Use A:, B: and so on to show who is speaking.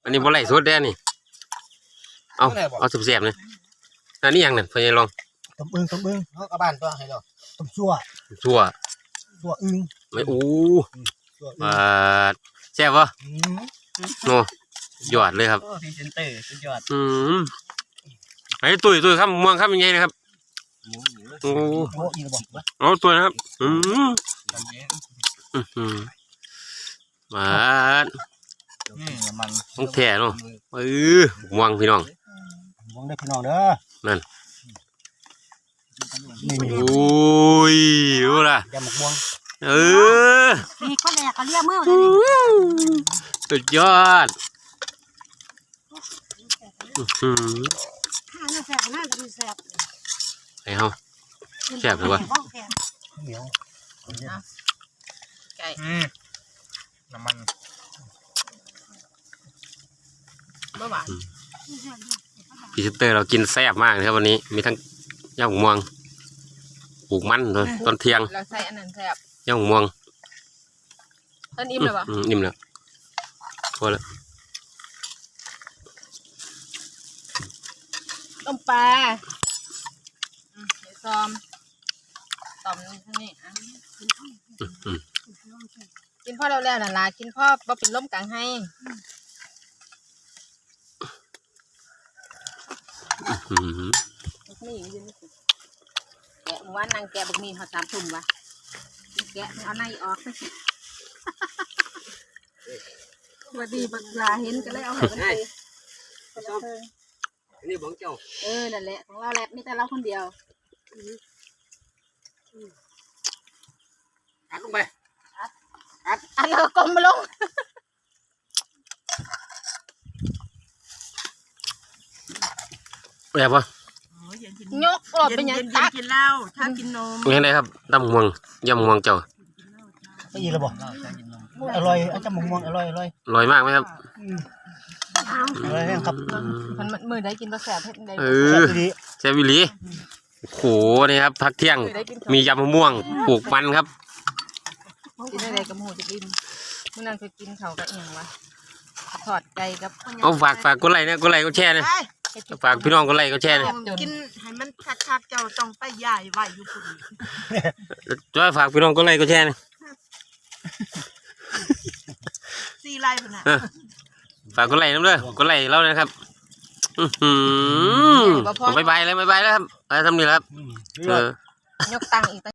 A: อันนี้บ่ไหลสุดแน่นี่เอาเสียบๆนี่อันนี้ยังนั่นพยายลอง
B: ต้มอึ้งเขากระบานตัวให้เราต้มชั่วอึ้ง
A: ไม่แซ่บวะโน่ยอดเลยครับ
C: พรีเซนเตอร์สุดยอด
A: ไอ้ตุ้ยครับม่วงครับยังไงนะครับโอ้เอาตัวนะครับมาต้องแถ่เนาะม่วงพี่น้อง
B: ม่วงได้พี่น้องเด้อ
A: นั่นโอ้ยรู้ละ
B: ยำหมกม่วง
D: มีข้าวแหลกเขาเรียกเมื่อเลย
A: สุดยอด
D: แสบน่าจะแสบ
A: ไอ้เฮาแสบหรือวะ
B: เหนียว
C: ไก่น้ำมันเมื่อวาน
A: พรีเซนเตอร์เรากินแซ่บมากนะครับวันนี้มีทั้งย่างม่วงปลูกมันเลยตอนเที่ยง
C: เราใส่อันนั้นแซ่บ
A: ย่างม่วง
C: ต้นอิ่มเลยปะ
A: อิ่มแล้วพอแล้ว
C: ต้มปลาเดี๋ยวซ้อมต่อมนี่ท่านี่กินพ่อแล้วน่ะล่ะกินพ่อบ่เป็นล้มกลางให้นี่ยืนแกะวันนางแกะบักมีเขา3 ทุ่มวะแกะเอาในออกไปสวัสดีบักลาเห็นก็เลยเอาให้ไป
A: นี่บ้องเจ้า
C: นั่นแหละของเราแหละมีแต่เราคนเดียว
A: อัดลงไป
C: อัดแล้วกลมมาลง
A: แบบว่
C: ายกออกเป็นยังตัก
D: กินเหล้าถ้ากินนม
A: ยังไงครับตำม่วงย่ำม่วงเจ้า
B: ได้ยินแล้วบ่อร่อยอาจจะหมกม่วงอร่อย
A: มากไหมครับ
B: อร่อยครับ
C: มันมือได้กินปลาแสบเผ็ดได้
A: แซ่บวิลีโหนี่ครับพักเที่ยงมียำมะม่วงปลูกมันครับ
C: กินอะไรกับหมูจะกินเมื่อนั้นเคยกินเขากับเอียงวะทอดไก่กับ
A: เอาฝากกดไลค์นะกดไลค์ก็แชร์นะฝากพี่น้องกดไลค์ก็แชร์นะ
D: กินให้มันคักๆเจ้าต้องไปใหญ่ไว้อยู่คน
A: จ้อยฝากพี่น้องกดไลค์ก็แชร์นะ
D: 4 ไร่พุ่นน่ะ
A: ฝากกดไลค์น้ำเด้อกดไลค์เรานะครับบายแล้วครับไปทำนี่แล้วครับ
C: ยกตังอีก